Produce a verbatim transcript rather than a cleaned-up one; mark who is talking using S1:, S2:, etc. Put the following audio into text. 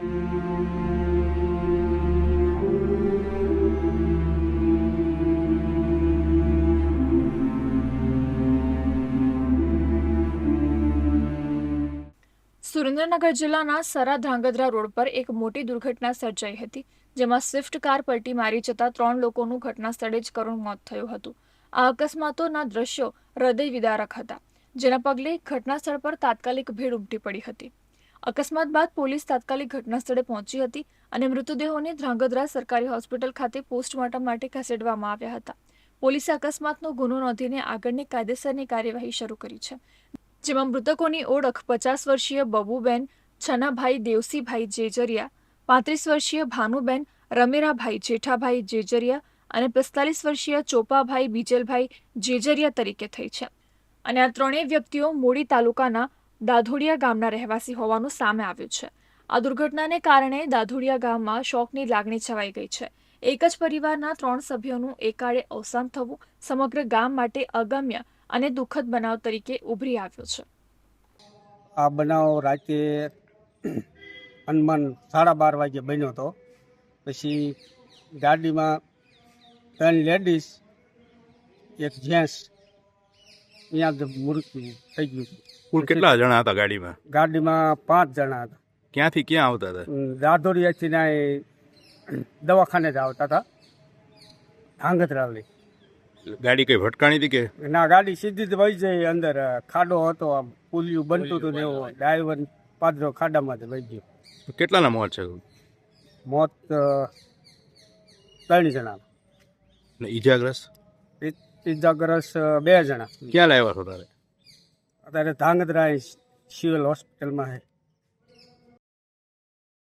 S1: સુરેન્દ્રનગર જિલ્લાના સરા ધ્રાંગધ્રા રોડ પર એક મોટી દુર્ઘટના સર્જાઈ હતી, જેમાં સ્વિફ્ટ કાર પલટી મારી જતા ત્રણ લોકોનું ઘટના સ્થળે જ કરુણ મોત થયું હતું. આ અકસ્માતોના દ્રશ્યો હૃદય વિદારક હતા, જેના પગલે ઘટના સ્થળ પર તાત્કાલિક ભીડ ઉમટી પડી હતી. અકસ્માત બાદ પોલીસ તાત્કાલિક ઘટના સ્થળે પહોંચી હતી અને મૃતદેહોને ધ્રાંગધ્રા સરકારી હોસ્પિટલ ખાતે પોસ્ટમોર્ટમ માટે ખસેડવામાં આવ્યા હતા. પોલીસે અકસ્માતનો ગુનો નોંધીને આગળની કાયદેસરની કાર્યવાહી શરૂ કરી છે, જેમાં મૃતકોની ઓળખ પચાસ વર્ષીય બબુબેન છનાભાઈ દેવસીભાઈ જેજરિયા, પાંત્રીસ વર્ષીય ભાનુબેન રમેરાભાઈ જેઠાભાઈ જેજરિયા અને પિસ્તાલીસ વર્ષીય ચોપાભાઈ બીજલભાઈ જેજરિયા તરીકે થઈ છે. અને આ ત્રણેય વ્યક્તિઓ મૂળી તાલુકાના દાધોડિયા ગામના રહેવાસી હોવાનું સામે આવ્યું છે. આ દુર્ઘટનાને કારણે દાધોડિયા ગામમાં શોકની લાગણી છવાઈ ગઈ છે. એક જ પરિવારના ત્રણ સભ્યોનું એકાળે અવસાન થવું સમગ્ર ગામ માટે અગમ્ય અને દુઃખદ બનાવ તરીકે ઉભરી આવ્યો છે.
S2: આ બનાવ રાતે અનમન સાડા બાર વાગે બન્યો હતો. પછી ગાડીમાં ત્રણ લેડીઝ એક જેન્ટ્સ અહીંયા જ મૃત્યુ થઈ ગયું.
S3: કુલ કેટલા જણા હતા ગાડીમાં?
S2: ગાડીમાં પાંચ જણા હતા.
S3: ક્યાંથી ક્યાં આવતા હતા?
S2: દાદોડિયાથી ના દવાખાને જ આવતા હતા, ધ્રાંગધ્રા લઈ.
S3: ગાડી કઈ ભટકાણી હતી કે
S2: ના? ગાડી સીધી જ વહી જાય. અંદર ખાડો હતો, આમ પુલિયું બનતું હતું ને એવું. ડ્રાઈવર પાદરો ખાડામાં જ વહી ગયો.
S3: કેટલાના મોત છે?
S2: મોત ત્રણ જણા
S3: ને ઈજાગ્રસ્ત?
S2: ઇજાગ્રસ્ત બે જણા.
S3: ક્યાં લાવ્યા છો તારે?
S2: અત્યારે ધ્રાંગધ્રા સિવિલ હોસ્પિટલમાં છે.